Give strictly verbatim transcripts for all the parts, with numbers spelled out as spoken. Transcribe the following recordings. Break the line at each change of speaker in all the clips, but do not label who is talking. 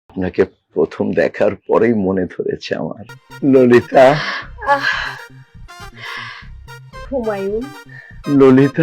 আপনাকে প্রথম দেখার পরেই মনে ধরেছে আমার। ললিতা,
হুমায়ুন,
ললিতা,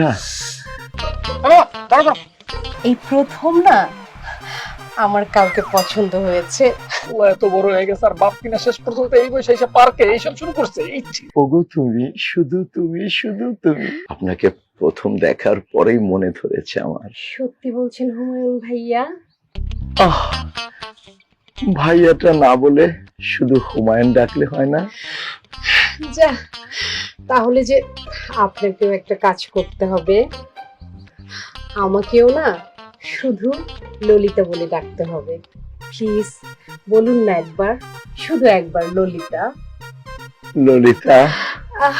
এই প্রথম না আমার কাউকে পছন্দ হয়েছে।
ও এত বড় হয়ে গেছে আর বাপ কিনা শেষ পর্যন্ত এই বয়সে এসে পার্কে এইসব শুরু করছে।
ওগো তুমি, শুধু তুমি, শুধু তুমি। আপনাকে প্রথম দেখার পরেই মনে ধরেছে আমার।
সত্যি বলছেন হুমায়ুন ভাইয়া?
আহ, ভাইয়াটা না বলে শুধু হুমায়ুন ডাকলে হয় না?
যা, তাহলে যে আপনাকেও একটা কাজ করতে হবে, আমাকেও না শুধু ললিতা বলে ডাকতে হবে। প্লিজ বলুন না একবার, শুধু একবার ললিতা।
ললিতা,
আহ,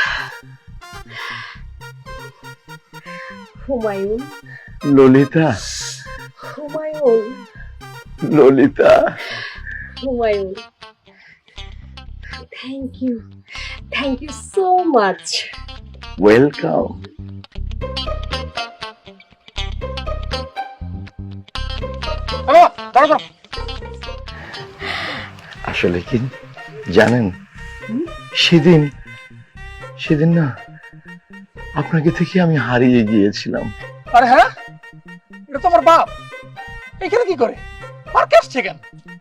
Humayun,
Lalita,
Humayun,
Lalita.
Humayun, thank you, thank you so much.
Welcome. আসলে কি জানেন, সেদিন সেদিন না আপনাকে থেকে আমি হারিয়ে গিয়েছিলাম।
আরে হ্যাঁ, এটা তো আমার বাপ। এখানে কি করে? পার্কে আসছে কেন?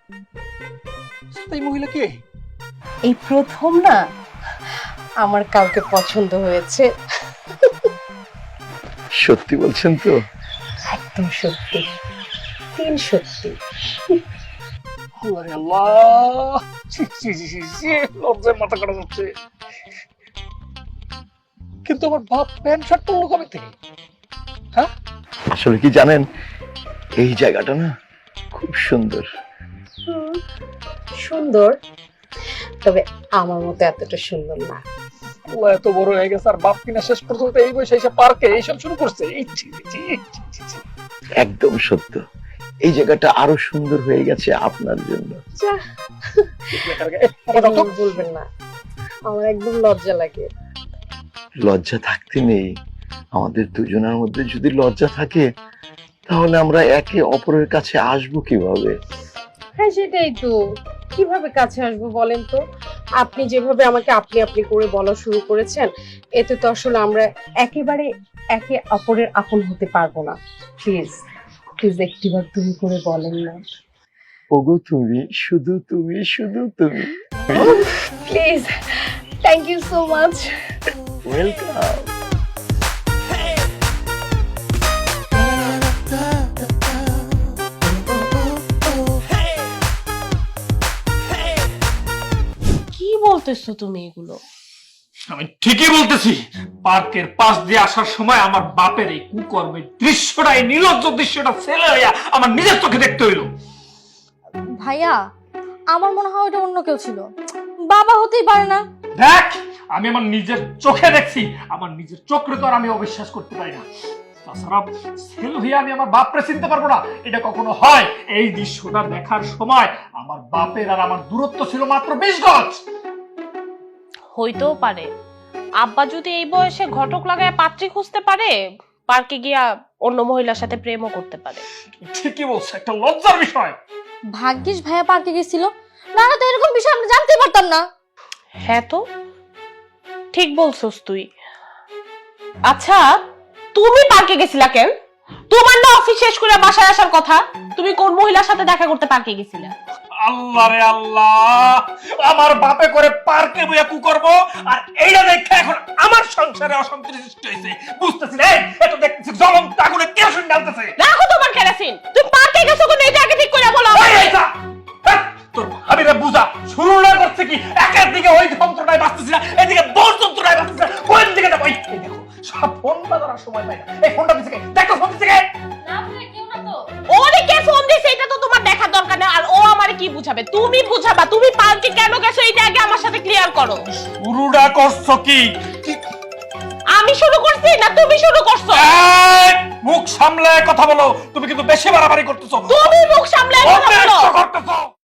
এই মহিলা কে?
এই প্রথম না আমার কাউকে পছন্দ হয়েছে।
সত্যি বলছেন তো?
একদম সত্যি, তিন সত্যি।
আরে আল্লাহ, ছি ছি ছি ছি ছি, লজ্জায় মাথা কাটা যাচ্ছে। কিন্তু আমার বাপ প্যান্ট শার্ট পরলো কবে থেকে? হ্যাঁ,
আসলে কি জানেন, এই জায়গাটা না খুব সুন্দর।
হুম, সুন্দর, তবে আমার মতো এতটা সুন্দর না।
ও এত বড় হয়ে গেছে আর বাপ কিনা শেষ পর্যন্ত এই বয়সে এসে পার্কে এইসব শুরু করছে। এই ছি ছি ছি ছি ছি।
একদম সত্য, এই জায়গাটা আরো সুন্দর হয়ে গেছে আপনার জন্য।
যা,
এই, আমার দাও তো।
এরকম বলবেন না, আমার একদম লজ্জা লাগে।
লজ্জা থাকতে নেই, আমাদের দুজনের মধ্যে যদি লজ্জা থাকে তাহলে আমরা একে অপরের কাছে আসবো কিভাবে?
হ্যাঁ সেটাই তো, কিভাবে কাছে আসবো বলেন তো? আপনি যেভাবে আমাকে আপনি আপনি করে বলা শুরু করেছেন, এতে তো আসলে আমরা একেবারে একে অপরের আপন হতে পারবো না। প্লিজ প্লিজ একটিবার তুমি করে বলেন না।
ওগো তুমি, শুধু তুমি, শুধু তুমি।
Please, thank you so much.
Welcome.
কি বলতেছো তুমি এগুলো?
আমি ঠিকই বলতেছি। পার্কের পাশ দিয়ে আসার সময় আমার বাপের এই কুকর্মের দৃশ্যটা, এই নির্লজ্জ দৃশ্যটা ছেলে হইয়া আমার নিজের চোখে দেখতে হইলো।
ভাইয়া, আমার মনে হয় ওটা অন্য কেউ ছিল, বাবা হতেই পারে না।
দেখ, আমি আমার নিজের চোখে দেখছি, আমার নিজের চোখে তো আর আমি অবিশ্বাস করতে পারি না। তাছাড়া ছেলে হইয়া আমি আমার বাপরে চিনতে পারবো না, এটা কখনো হয়? এই দৃশ্যটা দেখার সময় আমার বাপের আর আমার দূরত্ব ছিল মাত্র বিশ গজ।
হইতেও পারে আব্বা যদি এই বয়সে ঘটক লাগায় পাত্রী খুঁজতে পারে, পার্কে গিয়া অন্য মহিলার সাথে প্রেমও করতে পারে।
ঠিকই বলছে, একটা লজ্জার বিষয়।
ভাগ্যিস ভাইয়া পার্কে গেছিল, না না তো এরকম বিষয় আমরা জানতেই পারতাম না।
হ্যাঁ তো, ঠিক বলছস তুই। আচ্ছা, তুমি পার্কে গেছিলা কেন? তোমার না অফিস শেষ করে বাসায় আসার কথা, তুমি কোন মহিলার সাথে দেখা করতে পার্কে গেছিলা?
আল্লাহ রে আল্লাহ, আমার বাপে করে পার্কে বইয়া কু করবো, আর এইটা দেখে এখন আমার সংসারে অশান্তি সৃষ্টি হয়েছে। বুঝতেছি না, এটা দেখতেছি জ্বলন্ত আগুনে কেরোসিন ঢালতেছে।
রাখো তোমার কেরাসিন, তুমি পার্কে গেছো কোন, এটা আগে ঠিক করে বলো।
এই, এই, যা। হ্যাঁ, তোর ভাবিরা বুঝা শুরু না করছে কি? একের দিকে ওই যন্ত্রণায় বাঁচতেছি না, এদিকে তোর যন্ত্রণায় বাঁচতেছি না, কোন দিকে যাবো? এই দেখো, সব ফোন বাজানোর সময় পাই না। এই ফোনটা দিচ্ছে কে? দেখো ফোন দিচ্ছে কে?
ওরে কে ফোন দিছে এটা তো তোমার দেখার দরকার নেই, আর ও আমারে কি বুঝাবে? তুমি বুঝাবা, তুমি পার্কে কেন গেছো এটা আগে আমার সাথে ক্লিয়ার করো।
শুরুটা করছো কি?
আমি শুরু করছি না তুমি শুরু করছো?
এই, মুখ সামলায় কথা বলো, তুমি কিন্তু বেশি বাড়াবাড়ি করতেছো।
তুমি মুখ সামলায় কথা বলো।
করতেছো